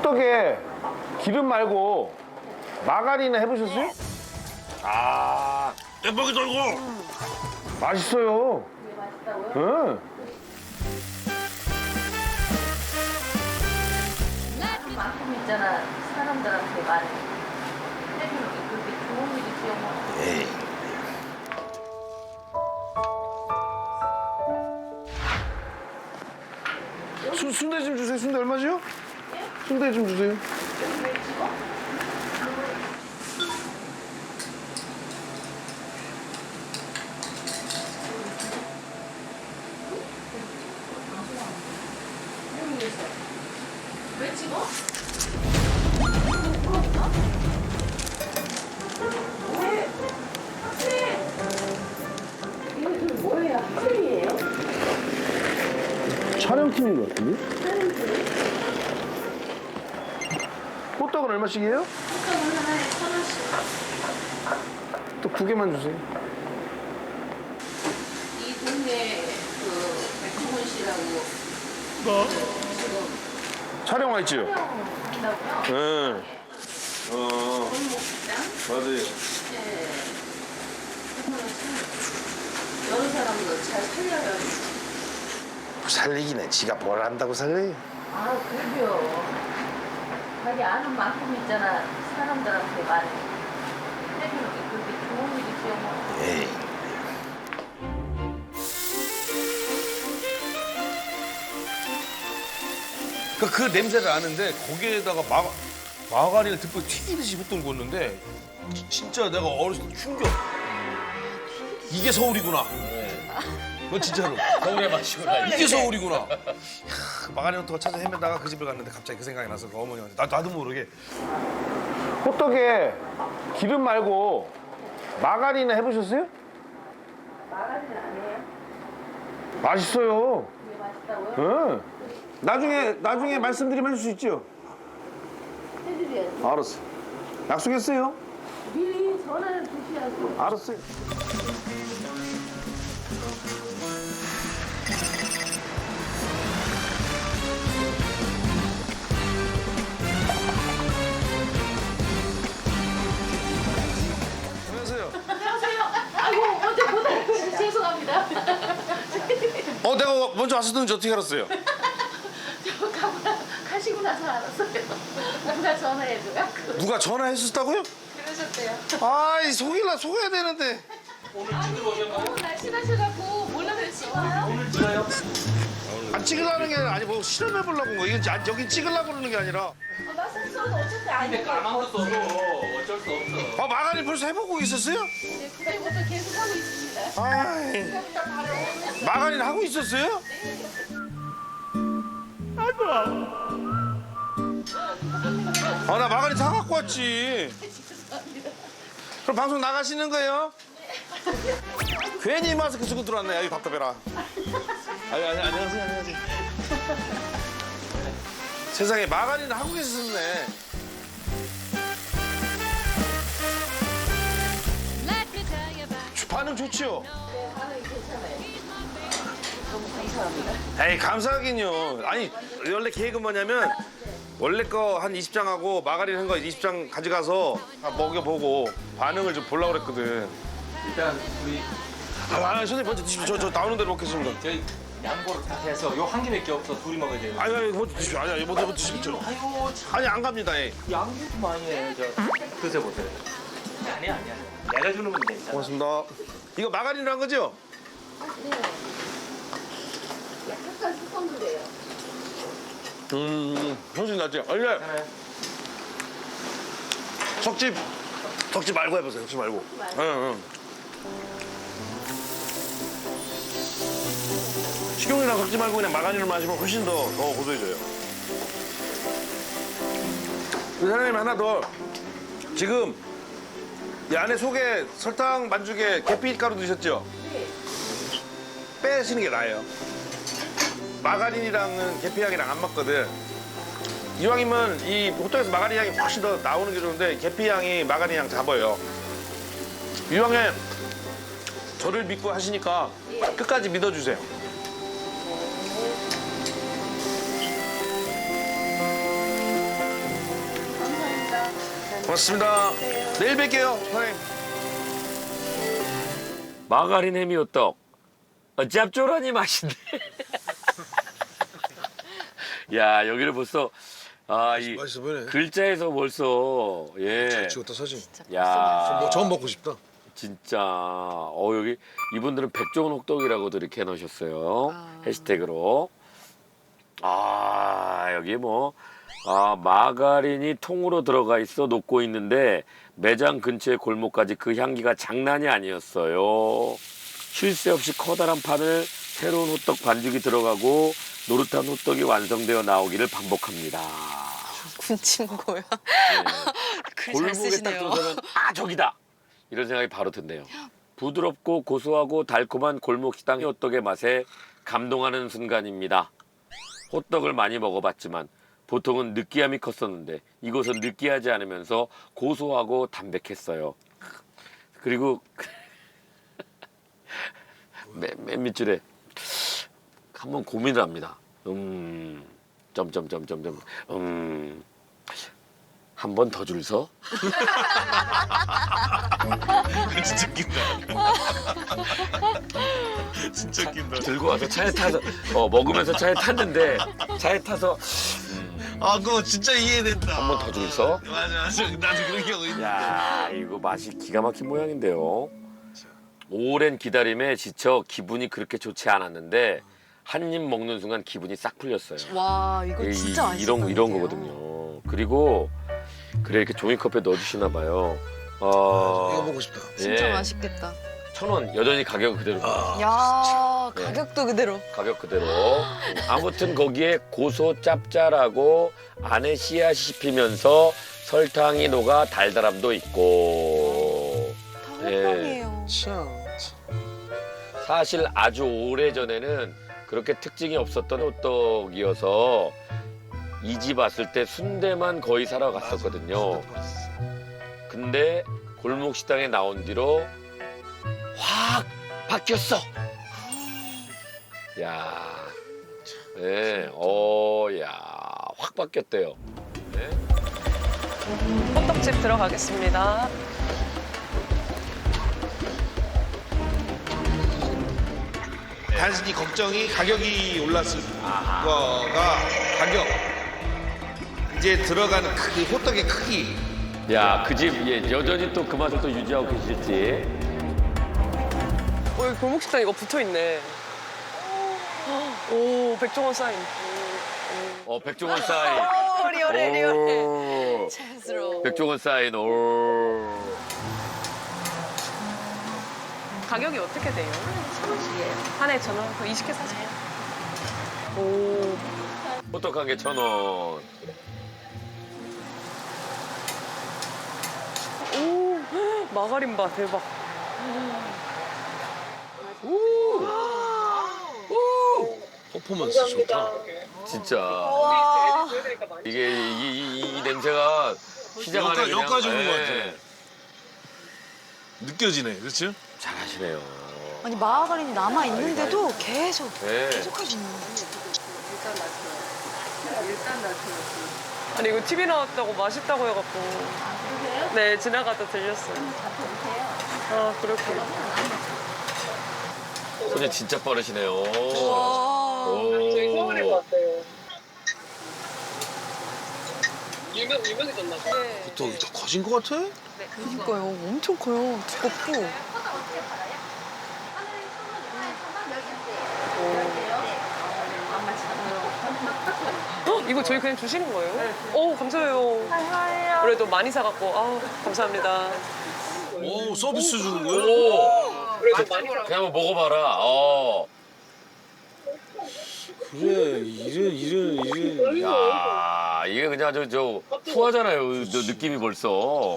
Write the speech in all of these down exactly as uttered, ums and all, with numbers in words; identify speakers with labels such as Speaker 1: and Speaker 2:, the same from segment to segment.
Speaker 1: 호떡에 기름 말고 마가린 해보셨어요? 아,
Speaker 2: 대박이 돌고.
Speaker 1: 맛있어요.
Speaker 3: 이게 맛있다고요?
Speaker 1: 응.
Speaker 3: 한 만큼 있잖아. 사람들한테 많이 해주는 게 그렇게 좋은 일이지요 뭐.
Speaker 2: 에이.
Speaker 1: 수, 순대 좀 주세요. 순대 얼마지요? 순대 좀 주세요.
Speaker 3: 왜 찍어? 이거 뭐예요? 학생이에요?
Speaker 1: 촬영팀인 것 같은데? 호떡은 얼마씩이에요?
Speaker 3: 호떡은 하나에 천 원씩.
Speaker 1: 또 두 개만 주세요.
Speaker 3: 이 동네 그 백종원 씨라고
Speaker 2: 뭐?
Speaker 3: 지금
Speaker 1: 촬영 와 있지요?
Speaker 3: 한다고요?
Speaker 1: 응. 어,
Speaker 3: 골목시장?
Speaker 1: 맞아요.
Speaker 3: 네. 여러 사람도 잘 살려요.
Speaker 1: 살리기는 지가 뭘 안다고 살려요?
Speaker 3: 아, 그래요. 자기 아는 만큼 있잖아. 사람들한테 많이 해주는 게 그렇게 좋은 일이지요 뭐.
Speaker 2: 에이. 그, 그 냄새를 아는데 거기에다가 마, 마가린을 듬뿍 튀기듯이 호떡을 구웠는데 지- 진짜 내가 어렸을 때 충격. 이게 서울이구나. 너 진짜로.
Speaker 4: 서울의 맛이구나.
Speaker 2: 이게 서울이구나. 이야, 그 마가린 호떡을 찾아 헤매다가 그 집에 갔는데 갑자기 그 생각이 나서 그 어머니한테 나, 나도 모르게
Speaker 1: 호떡에 기름 말고 마가린 해보셨어요?
Speaker 3: 마가린 아니에요?
Speaker 1: 맛있어요.
Speaker 3: 이게 맛있다고요?
Speaker 1: 응. 나중에 나중에 말씀드리면 해줄 수 있죠?
Speaker 3: 해드려야지.
Speaker 1: 알았어. 약속했어요?
Speaker 3: 미리 전화를 주셔야지.
Speaker 1: 알았어요. 안녕하세요.
Speaker 3: 안녕하세요. 아이고, 먼저 보다 죄송합니다.
Speaker 1: 어, 내가 먼저 왔었는지 어떻게 알았어요?
Speaker 3: 저 가고 나, 가시고 나서 알았어요. 누가 전화해줘요?
Speaker 1: 누가 전화했었다고요?
Speaker 3: 그러셨대요.
Speaker 1: 아이, 속일라 속아야 되는데.
Speaker 3: 너무 날씬하셔갖고 몰라서 찍어요?
Speaker 4: 오늘 찍어요?
Speaker 1: 안 찍으려는 게 아니고 뭐 실험해보려고 온 거. 이건 아, 여기 찍으려고 그러는 게 아니라.
Speaker 3: 어, 나 센서는 어차피
Speaker 4: 근데
Speaker 3: 아니에요.
Speaker 4: 까만 거 써도 어쩔 수 없어.
Speaker 1: 아, 마가린 벌써 해보고 있었어요?
Speaker 3: 네, 그때부터 계속 하고 있습니다.
Speaker 1: 아이, 마가린 하고 있었어요? 아, 나 마가린 사갖고 왔지. 그럼 방송 나가시는 거예요? 괜히 마스크 쓰고 들어왔네. 아이, 답답해라. 아니, 아니, 안녕하세요, 안녕하세요. 세상에 마가린을 하고 계셨네. 반응 좋지요?
Speaker 3: 네, 반응이 괜찮아요. 너무 감사합니다.
Speaker 1: 에이, 감사하긴요. 아니, 원래 계획은 뭐냐면 원래 거 한 이십 장 하고 마가린 한 거 이십 장 가져가서 다 먹여보고 반응을 좀 보려고 그랬거든.
Speaker 4: 일단 우리
Speaker 1: 아, 아 선생님 먼저 드십시오. 저, 저 나오는 대로 먹겠습니다.
Speaker 4: 저희 양보를 다 해서 요 한 개밖에 없어 둘이 먹어야 돼요.
Speaker 1: 아니, 아니, 먼저 드십시오. 아니, 아니, 먼저 드십시오.
Speaker 4: 아이고 참
Speaker 1: 아니, 안 갑니다. 예.
Speaker 4: 양보도 많이 해. 저 드셔보세요. 아니야 아니야. 내가 주는 건 괜찮아.
Speaker 1: 고맙습니다. 이거 마가린이란 거죠?
Speaker 3: 네. 약간 스펀드래요.
Speaker 1: 음, 형수님 낫지? 아니, 네.
Speaker 4: 괜찮아요?
Speaker 1: 석집, 석집 말고 해보세요. 석집 말고.
Speaker 3: 말고.
Speaker 1: 응, 응. 식용유랑 섞지 말고 그냥 마가린을 마시면 훨씬 더, 더 고소해져요. 그 사장님 하나 더. 지금 이 안에 속에 설탕 반죽에 계피가루 넣으셨죠?
Speaker 3: 네.
Speaker 1: 빼시는 게 나아요. 마가린이랑은 계피향이랑 안 맞거든. 이왕이면 이 호떡에서 마가린 향이 훨씬 더 나오는 게 좋은데 계피 향이 마가린 향 잡아요. 이왕에 저를 믿고 하시니까 끝까지 믿어주세요. 고맙습니다. 내일 뵐게요, 사장님.
Speaker 5: 마가린 해미호떡. 어, 짭조라니 맛인데. 야, 여기를 벌써 아, 이
Speaker 2: 맛있어 보이네.
Speaker 5: 글자에서 벌써 예.
Speaker 2: 잘 찍었다 사진.
Speaker 5: 야,
Speaker 2: 뭐 처음 먹고 싶다.
Speaker 5: 진짜 어 여기 이분들은 백종원 호떡이라고도 이렇게 해놓으셨어요.
Speaker 6: 아.
Speaker 5: 해시태그로. 아, 여기 뭐 아, 마가린이 통으로 들어가 있어 녹고 있는데 매장 근처의 골목까지 그 향기가 장난이 아니었어요. 쉴 새 없이 커다란 판을 새로운 호떡 반죽이 들어가고 노릇한 호떡이 완성되어 나오기를 반복합니다.
Speaker 6: 군침 고요.
Speaker 5: 네.
Speaker 6: 글 잘
Speaker 5: 골목에 딱
Speaker 6: 쓰시네요.
Speaker 5: 들어서면 아 저기다 이런 생각이 바로 든대요. 부드럽고 고소하고 달콤한 골목식당 호떡의 맛에 감동하는 순간입니다. 호떡을 많이 먹어봤지만 보통은 느끼함이 컸었는데 이곳은 느끼하지 않으면서 고소하고 담백했어요. 그리고 맨, 맨 밑줄에 한번 고민을 합니다. 음, 점점점점점, 음, 한 번 더 줄 서?
Speaker 2: 진짜 웃긴다. 진짜 웃긴다.
Speaker 5: 들고 와서 차에 타서, 어, 먹으면서 차에 탔는데, 차에 타서,
Speaker 2: 아 그거 진짜 이해된다.
Speaker 5: 한 번 더 줄 서?
Speaker 2: 맞아 맞아. 나도 그런 경우 있는데.
Speaker 5: 야, 이거 맛이 기가 막힌 모양인데요. 오랜 기다림에 지쳐 기분이 그렇게 좋지 않았는데, 한 입 먹는 순간 기분이 싹 풀렸어요.
Speaker 6: 와 이거
Speaker 5: 이-
Speaker 6: 진짜 맛있을
Speaker 5: 이런 이런
Speaker 6: 것 같아요.
Speaker 5: 거거든요. 그리고 그래 이렇게 종이컵에 넣어주시나 봐요. 어,
Speaker 2: 이거 먹고 싶다.
Speaker 6: 진짜
Speaker 5: 예.
Speaker 6: 맛있겠다.
Speaker 5: 천 원 여전히 가격 그대로.
Speaker 6: 야
Speaker 5: 네.
Speaker 6: 가격도 그대로.
Speaker 5: 가격 그대로. 아무튼 거기에 고소 짭짤하고 안에 씨앗이 씹히면서 설탕이 녹아 달달함도 있고.
Speaker 6: 다 호떡이에요.
Speaker 2: 참.
Speaker 5: 사실 아주 오래 전에는 그렇게 특징이 없었던 호떡이어서 이 집 왔을 때 순대만 거의 사러 갔었거든요. 근데 골목 식당에 나온 뒤로 확 바뀌었어. 야, 네, 어, 야, 확 바뀌었대요. 네.
Speaker 7: 호떡집 들어가겠습니다.
Speaker 1: 단순히 걱정이 가격이 올랐을 거가 가격. 이제 들어가는 크기, 호떡의 크기.
Speaker 5: 야, 그 집 예, 여전히 또 그 맛을 또 유지하고 계실지.
Speaker 7: 어, 여기 골목식당 이거 붙어 있네. 오, 백종원 사인.
Speaker 5: 어, 백종원 사인.
Speaker 6: 오 리얼해 리얼해.
Speaker 5: 오,
Speaker 6: 자연스러워.
Speaker 5: 백종원 사인. 오.
Speaker 7: 가격이 어떻게 돼요?
Speaker 3: 천 원씩이에요.
Speaker 7: 하나에 천 원? 그럼 이십 개 사세요. 오,
Speaker 5: 호떡 한 개 천 원.
Speaker 7: 오, 마가린 바 대박.
Speaker 2: 퍼포먼스 좋다.
Speaker 5: 진짜.
Speaker 6: 와.
Speaker 5: 이게 이, 이, 이, 이 냄새가 시장 안에
Speaker 2: 여기까지-
Speaker 5: 그냥,
Speaker 2: 여기까지 오는 것
Speaker 5: 예,
Speaker 2: 같아. 느껴지네, 그렇지?
Speaker 5: 잘하시네요.
Speaker 6: 아니 마가린이 남아 있는데도 계속
Speaker 5: 네.
Speaker 6: 계속 하시는 거예요.
Speaker 3: 일단 낫죠. 일단 낫죠.
Speaker 7: 아니 이거 티비 나왔다고 맛있다고 해갖고.
Speaker 3: 아, 그러세요?
Speaker 7: 네, 지나가다 들렸어요.
Speaker 3: 잡숴보세요.
Speaker 7: 아, 그렇구나.
Speaker 5: 손이 진짜 빠르시네요.
Speaker 6: 와.
Speaker 5: 오.
Speaker 7: 왔어요. 유명, 유명해졌나 봐. 네.
Speaker 2: 호떡이 더 커진 것 같아?
Speaker 6: 그러니까요. 엄청 커요. 두껍고.
Speaker 7: 어? 이거 저희 그냥 주시는 거예요? 오, 감사해요. 그래도 많이 사갖고, 아 감사합니다.
Speaker 2: 오, 서비스 주는 거야?
Speaker 5: 오.
Speaker 7: 그래도 많이
Speaker 5: 그냥 한번 먹어봐라. 어.
Speaker 2: 그래, 이래, 이래, 이래.
Speaker 5: 야, 이게 그냥 저, 저, 후하잖아요. 저 느낌이 벌써.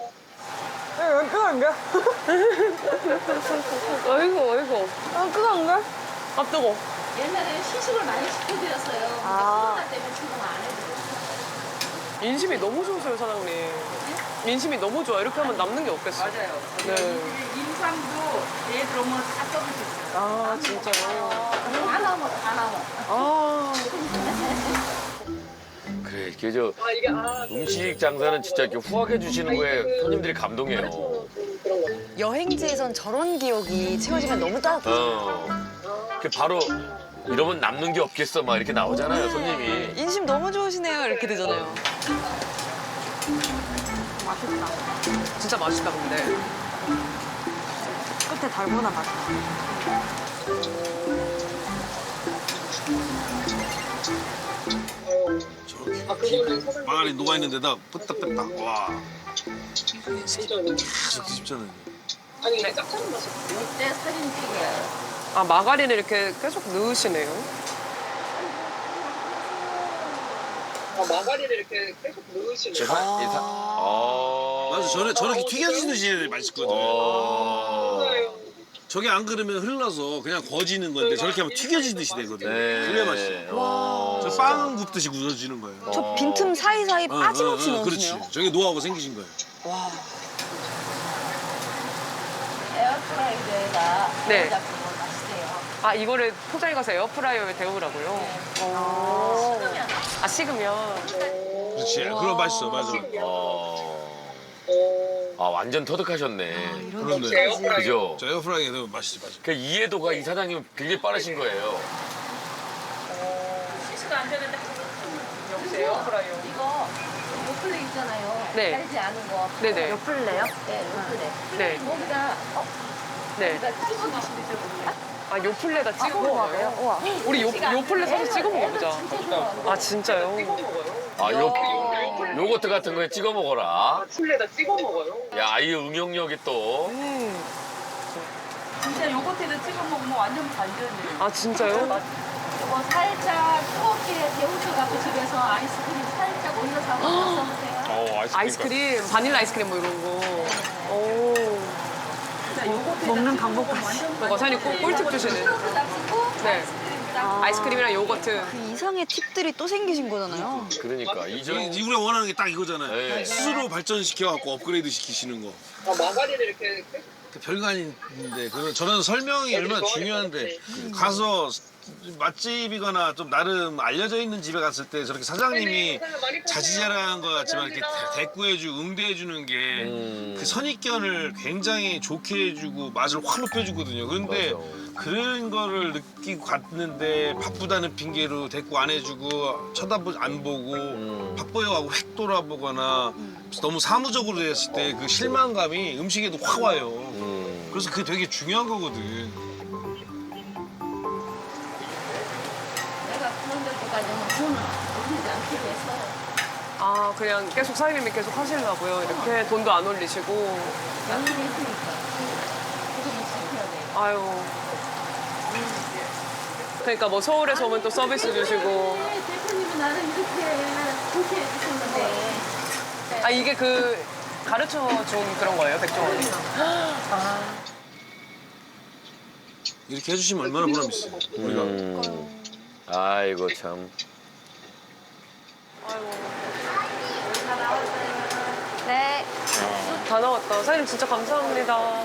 Speaker 7: 어이구, 어이구.
Speaker 6: 아 그건가?
Speaker 7: 아, 뜨거.
Speaker 3: 옛날에는 시식을 많이 시켜드렸어요.
Speaker 6: 아.
Speaker 3: 코로나 때문에 지금 안 해드려요.
Speaker 7: 인심이 너무 좋으세요, 사장님. 인심이 너무 좋아. 이렇게 하면 남는 게 없겠어.
Speaker 3: 맞아요.
Speaker 7: 네.
Speaker 3: 임상도 얘들 오면 다 써주셨어요.
Speaker 7: 아, 진짜요?
Speaker 3: 다 나와, 다 나와.
Speaker 7: 아.
Speaker 5: 그래, 그래, 그저
Speaker 7: 아 이게 아
Speaker 5: 음식 장사는 진짜 이렇게 후하게 주시는 거에 손님들이 감동해요.
Speaker 7: 그런 거.
Speaker 6: 여행지에선 저런 기억이 채워지면 너무 따뜻해요.
Speaker 5: 어. 그 바로 이러면 남는 게 없겠어 막 이렇게 나오잖아요, 손님이.
Speaker 6: 인심 너무 좋으시네요. 이렇게 되잖아요.
Speaker 7: 진짜 맛있다 근데.
Speaker 6: 끝에 달고나 맛있다.
Speaker 2: 저렇게 마가린 녹아 있는 데다 끄딱끄딱 와.
Speaker 7: 진짜
Speaker 2: 계속 뒤집잖아요.
Speaker 7: 아니 이게 짭짤한 맛이.
Speaker 3: 이때 사진 찍어요.
Speaker 7: 아 마가린을 이렇게 계속 넣으시네요. 아 마가린을 이렇게 계속 넣으시네요.
Speaker 5: 제 사, 이 사, 어.
Speaker 2: 맞아, 저래 저렇게 튀겨지듯이 맛있거든요.
Speaker 5: 어.
Speaker 2: 저게 안 그러면 흘러서 그냥 거지는 건데 저렇게 하면 튀겨지듯이 되거든요.
Speaker 5: 네.
Speaker 2: 그래 맛있어요.
Speaker 5: 어.
Speaker 2: 저 빵 굽듯이 굳어지는 거예요.
Speaker 6: 저 빈틈 사이사이
Speaker 2: 어,
Speaker 6: 빠짐없이
Speaker 2: 어, 어,
Speaker 6: 넣으시네요.
Speaker 2: 그렇지. 저게 노하우가 생기신 거예요.
Speaker 3: 에어프라이어에다
Speaker 7: 네.
Speaker 3: 잡으면 맛있대요.
Speaker 7: 아 이거를 포장해 가서 에어프라이어에 데우라고요? 오.
Speaker 3: 식으면
Speaker 7: 아 식으면.
Speaker 2: 그렇지. 그럼 맛있어, 맞아.
Speaker 5: 어. 아 완전 터득하셨네.
Speaker 2: 그런데
Speaker 5: 그죠?
Speaker 2: 저 에어프라이기에도 맛있지, 맛있어.
Speaker 5: 그 이해도가 이 사장님 굉장히 빠르신 거예요.
Speaker 3: 시시가 안 되는데
Speaker 7: 역시 에어프라이어.
Speaker 3: 이거 요플레 있잖아요.
Speaker 7: 네.
Speaker 3: 달지 않은 거.
Speaker 7: 네네.
Speaker 3: 요플레요? 네, 요플레.
Speaker 7: 네.
Speaker 3: 거기다 어,
Speaker 7: 네.
Speaker 3: 거기다 찍어 드시면 되거든요.
Speaker 7: 아 요플레다 찍어 먹어요?
Speaker 3: 우와.
Speaker 7: 우리 요 요플레 사서 찍어 먹어보자.
Speaker 3: 진짜
Speaker 7: 아 진짜요?
Speaker 5: 아 요, 요거트 같은 거에 찍어 먹어라.
Speaker 7: 요플레다 찍어 먹어요?
Speaker 5: 야, 이 응용력이 또.
Speaker 7: 음.
Speaker 3: 진짜 요거트에다 찍어 먹으면 완전 반전이에요.
Speaker 7: 아 진짜요?
Speaker 3: 이거 살짝 뜨겁게 데우셔갖고 집에서 아이스크림 살짝 올려서 한번 먹어보세요.
Speaker 5: 어,
Speaker 7: 아이스크림, 바닐라 아이스크림 뭐 이런 거. 오.
Speaker 6: 먹는 방법까지.
Speaker 7: 뭔가 사장님 꿀- 꿀팁 주시네. 네. 아이스크림이랑 요거트.
Speaker 6: 그 이상의 팁들이 또 생기신 거잖아요.
Speaker 5: 그러니까 이전
Speaker 2: 이- 우리가 원하는 게 딱 이거잖아요.
Speaker 5: 네.
Speaker 2: 스스로 발전시켜갖고 업그레이드 시키시는 거.
Speaker 7: 아 마가린을 이렇게
Speaker 2: 별거 아닌데 그런 저런 설명이 얼마나 중요한데 가서 맛집이거나 좀 나름 알려져 있는 집에 갔을 때 저렇게 사장님이 자지자랑한 것 같지만 이렇게 대꾸해주고 응대해주는 게 그
Speaker 5: 음,
Speaker 2: 선입견을 굉장히 좋게 해주고 맛을 확 높여주거든요. 그런데
Speaker 5: 맞아.
Speaker 2: 그런 거를 느끼고 갔는데 바쁘다는 핑계로 대꾸 안 해주고 쳐다보 안 보고
Speaker 5: 음.
Speaker 2: 바빠요하고 획 돌아보거나 너무 사무적으로 됐을 때 그 실망감이 음식에도 확 와요.
Speaker 5: 음.
Speaker 2: 그래서 그게 되게 중요한 거거든.
Speaker 3: 내가 그런 데까지는 돈을 올리지 않기로 했어요.
Speaker 7: 아 그냥 계속 사장님이 계속 하시려고요. 이렇게 돈도 안 올리시고.
Speaker 3: 양념했으니까. 그거 지켜야 돼.
Speaker 7: 아유. 그러니까 뭐 서울에서 오면 또 서비스 주시고.
Speaker 3: 네, 대표님은 나를 이렇게 좋게 해주셨는데.
Speaker 7: 아 이게 그 가르쳐 준 그런 거예요, 백종원이?
Speaker 2: 이렇게 해주시면 얼마나 보람있어요. 우리가.
Speaker 5: 음. 아이고 참.
Speaker 6: 네.
Speaker 7: 다 나왔다. 사장님 진짜 감사합니다.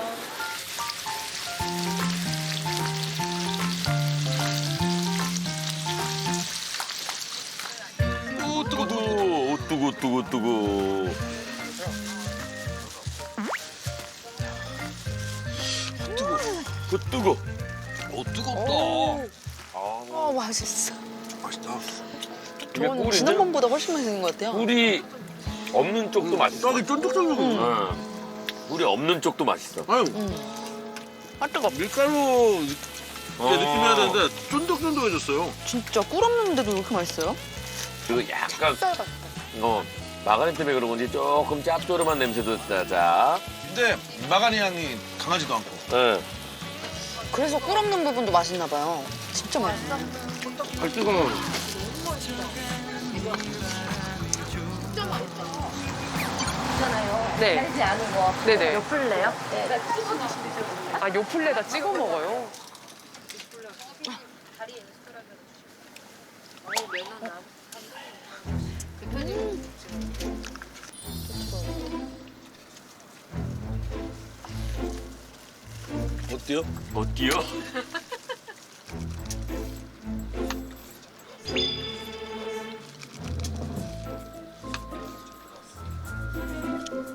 Speaker 5: 오 뜨거 뜨거. 오 뜨거 뜨거 뜨거. 뜨거. 그 뜨거.
Speaker 2: 어 뜨겁다.
Speaker 6: 어, 맛있어.
Speaker 2: 맛있다.
Speaker 5: 이게
Speaker 6: 저는
Speaker 5: 꿀인데
Speaker 6: 지난번보다 훨씬 맛있는 것 같아요.
Speaker 5: 꿀이 없는 쪽도 맛있어.
Speaker 2: 떡이 쫀득쫀득해.
Speaker 5: 응. 꿀이 없는 쪽도 맛있어.
Speaker 2: 아유
Speaker 6: 아, 뜨거.
Speaker 2: 밀가루
Speaker 5: 어.
Speaker 2: 느낌이야 되는데 쫀득쫀득해졌어요.
Speaker 6: 진짜 꿀 없는데도 왜 이렇게 맛있어요?
Speaker 5: 그리고 약간 어 마가린 때문에 그런 건지 조금 짭조름한 냄새도 나자.
Speaker 2: 근데 마가니 향이 강하지도 않고.
Speaker 5: 응.
Speaker 6: 그래서 꿀 없는 부분도 맛있나 봐요. 진짜 맛있어.
Speaker 5: 아 뜨거.
Speaker 3: 있잖아요.
Speaker 7: 네.
Speaker 3: 달지 않은 거.
Speaker 7: 네네.
Speaker 3: 요플레요? 네. 내가 찍어 드시면 되거든요.
Speaker 7: 아 요플레다 찍어 먹어요?
Speaker 2: 어때요?
Speaker 5: 어때요?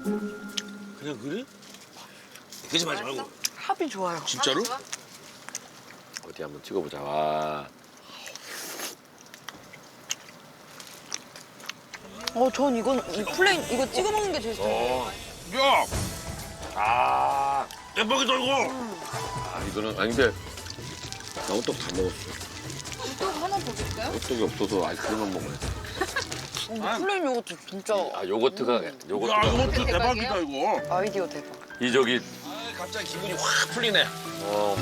Speaker 2: 그냥 그래? 거짓말하지 말고.
Speaker 6: 합이 좋아요.
Speaker 2: 진짜로?
Speaker 5: 어디 한번 찍어보자. 와.
Speaker 6: 어, 전 이건 이 플레인 이거 찍어 먹는 게 제일 좋아요.
Speaker 2: 야,
Speaker 5: 아,
Speaker 2: 대박이다 이거.
Speaker 5: 아 이거는 아니 근데 나 호떡 다 먹었어.
Speaker 6: 또 하나 더 줄까요?
Speaker 5: 호떡이 없어서 아이스크림만 먹어야 돼.
Speaker 6: 어, 플레인 요거트 진짜
Speaker 5: 아 요거트가
Speaker 2: 야,
Speaker 5: 요거트가
Speaker 2: 이것도 대박이다 이거.
Speaker 6: 아이디어 대박.
Speaker 5: 이 저기
Speaker 2: 아, 갑자기 기분이 확 풀리네.
Speaker 5: 어.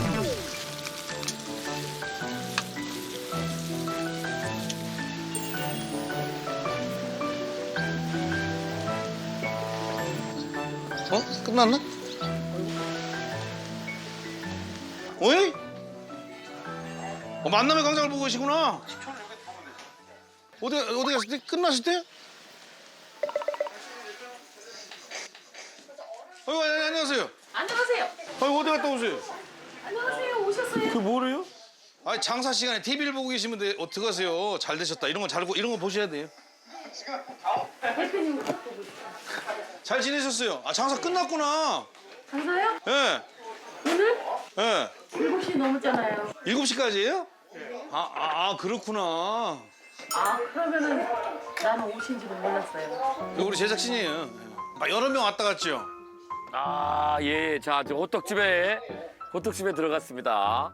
Speaker 2: 어? 끝났나? 어이? 어, 만남의 광장을 보고 계시구나. 어디 어디 갔을 때? 끝났을 때? 어, 아니, 안녕하세요.
Speaker 3: 안녕하세요.
Speaker 2: 아, 어디 갔다 오세요?
Speaker 3: 안녕하세요. 오셨어요?
Speaker 2: 그게 뭐래요? 아, 장사 시간에 티비를 보고 계시면 돼. 어떡하세요? 잘 되셨다. 이런 거 잘 이런 거 보셔야 돼요.
Speaker 3: 대표님 꼭 보고 있어요.
Speaker 2: 잘 지내셨어요? 아, 장사 끝났구나.
Speaker 3: 장사요?
Speaker 2: 예.
Speaker 3: 오늘
Speaker 2: 예.
Speaker 3: 일곱 시 넘었잖아요.
Speaker 2: 일곱 시까지예요? 아, 아, 아, 그렇구나.
Speaker 3: 아, 그러면은 나는 오신지도 몰랐어요.
Speaker 2: 이거 우리 제작진이에요. 아, 여러 명 왔다 갔죠?
Speaker 5: 아, 예. 자, 지금 호떡집에 호떡집에 들어갔습니다.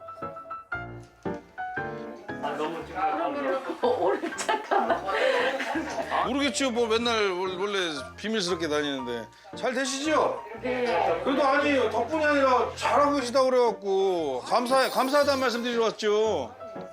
Speaker 3: 그러면은 오늘 잠깐만.
Speaker 2: 모르겠죠. 뭐 맨날 원- 원래 비밀스럽게 다니는데. 잘 되시죠?
Speaker 3: 네.
Speaker 2: 그래도 아니에요. 덕분이 아니라 잘하고 계시다고 그래갖고 감사, 감사하다는 말씀 드리러 왔죠.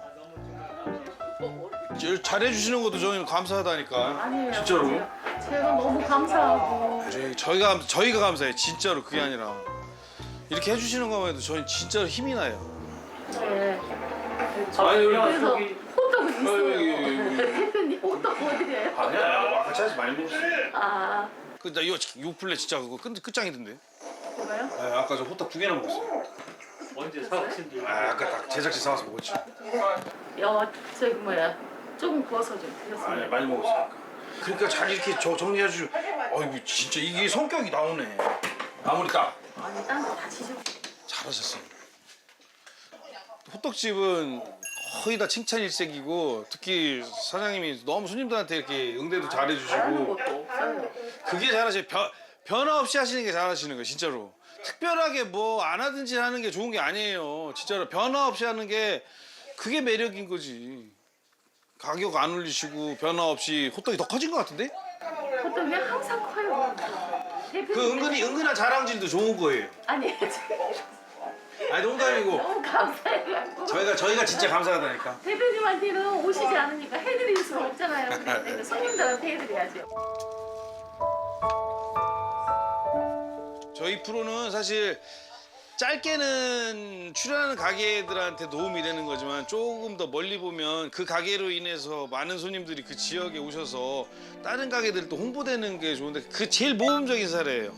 Speaker 2: 저- 잘해주시는 것도 저희는 감사하다니까.
Speaker 3: 아니에요.
Speaker 2: 진짜로.
Speaker 3: 제가 너무 감사하고.
Speaker 2: 저희, 저희가, 감- 저희가 감사해요. 진짜로 그게 아니라. 이렇게 해주시는 것만 해도 저희 진짜로 힘이 나요.
Speaker 3: 네.
Speaker 2: 아니,
Speaker 3: 그래서 호떡은
Speaker 2: 어, 예, 예,
Speaker 3: 있어요. 대표님 호떡 어디래요?
Speaker 2: 아니야. 아까 차에서 많이 먹었어요.
Speaker 3: 아,
Speaker 2: 그, 나 이거 요 플레 진짜 그거 끝, 끝장이던데.
Speaker 3: 뭐가요?
Speaker 2: 네, 아까 저 호떡 두 개나 먹었어요.
Speaker 4: 언제 사오신지.
Speaker 2: 아, 아까 딱 제작진 사와서 먹었죠.
Speaker 3: 여, 저기 뭐야. 조금 구워서 좀
Speaker 2: 아니,
Speaker 3: 드렸습니다.
Speaker 2: 많이 먹었으니까. 그러니까 잘 이렇게 저 정리해 주시고. 아이고, 진짜 이게 성격이 나오네. 마무리 딱.
Speaker 3: 아니, 딴 거 다 지져.
Speaker 2: 잘하셨어요. 호떡집은 거의 다 칭찬 일색이고 특히 사장님이 너무 손님들한테 이렇게 응대도
Speaker 3: 다른
Speaker 2: 잘해주시고
Speaker 3: 것도 없어요.
Speaker 2: 그게 잘하시고 변, 변화 없이 하시는 게 잘하시는 거예요, 진짜로. 특별하게 뭐 안 하든지 하는 게 좋은 게 아니에요. 진짜로 변화 없이 하는 게 그게 매력인 거지. 가격 안 올리시고 변화 없이 호떡이 더 커진 것 같은데?
Speaker 3: 호떡이 항상 커요. 대표님.
Speaker 2: 그 은근히 은근한 자랑질도 좋은 거예요.
Speaker 3: 아니,
Speaker 2: 아니 농담이고
Speaker 3: 너무 감사해요.
Speaker 2: 저희가 저희가 진짜 감사하다니까.
Speaker 3: 대표님한테는 오시지 않으니까 해드릴 수가 없잖아요. 그러니까 손님들한테 해드려야죠.
Speaker 2: 저희 프로는 사실 짧게는 출연하는 가게들한테 도움이 되는 거지만 조금 더 멀리 보면 그 가게로 인해서 많은 손님들이 그 지역에 오셔서 다른 가게들 또 홍보되는 게 좋은데 그 제일 모범적인 사례예요.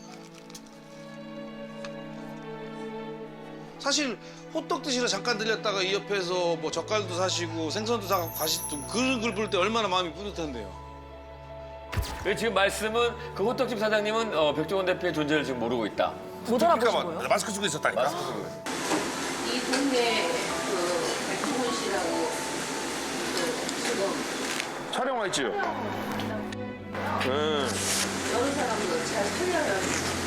Speaker 2: 사실 호떡 드시러 잠깐 들렸다가 이 옆에서 뭐 젓갈도 사시고 생선도 사고 가시고 그런 걸 볼 때 얼마나 마음이 뿌듯한데요.
Speaker 5: 그 지금 말씀은 그 호떡집 사장님은 어, 백종원 대표의 존재를 지금 모르고 있다.
Speaker 6: 못 알아보신 거예요?
Speaker 2: 마스크 쓰고 있었다니까.
Speaker 3: 이 동네 그 백종원 씨라고 그 지금
Speaker 1: 촬영 와 있지요? 응.
Speaker 3: 여러 사람도 잘 살려요.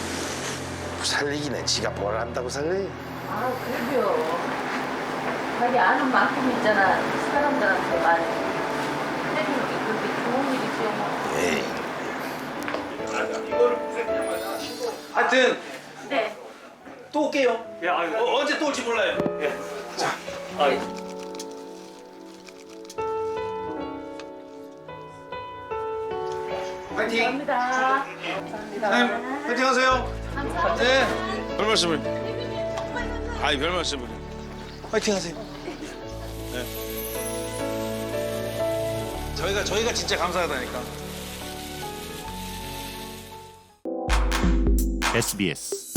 Speaker 1: 살리기는 지가 뭘 안다고 살리?
Speaker 3: 아, 그래요. 자기 아는 만큼 있잖아. 사람들한테 많이 해주는 게 그렇게 좋은 일이죠. 뭐.
Speaker 1: 에이.
Speaker 2: 하여튼
Speaker 3: 네.
Speaker 2: 또 올게요.
Speaker 4: 예, 아유.
Speaker 2: 어, 언제 또 올지 몰라요.
Speaker 4: 아유.
Speaker 2: 파이팅.
Speaker 3: 감사합니다. 감사합니다.
Speaker 2: 네, 파이팅 하세요.
Speaker 3: 감사합니다.
Speaker 2: 네. 별 말씀을. 아이, 별 말씀을. 파이팅 하세요. 네. 저희가, 저희가 진짜 감사하다니까.
Speaker 8: 에스비에스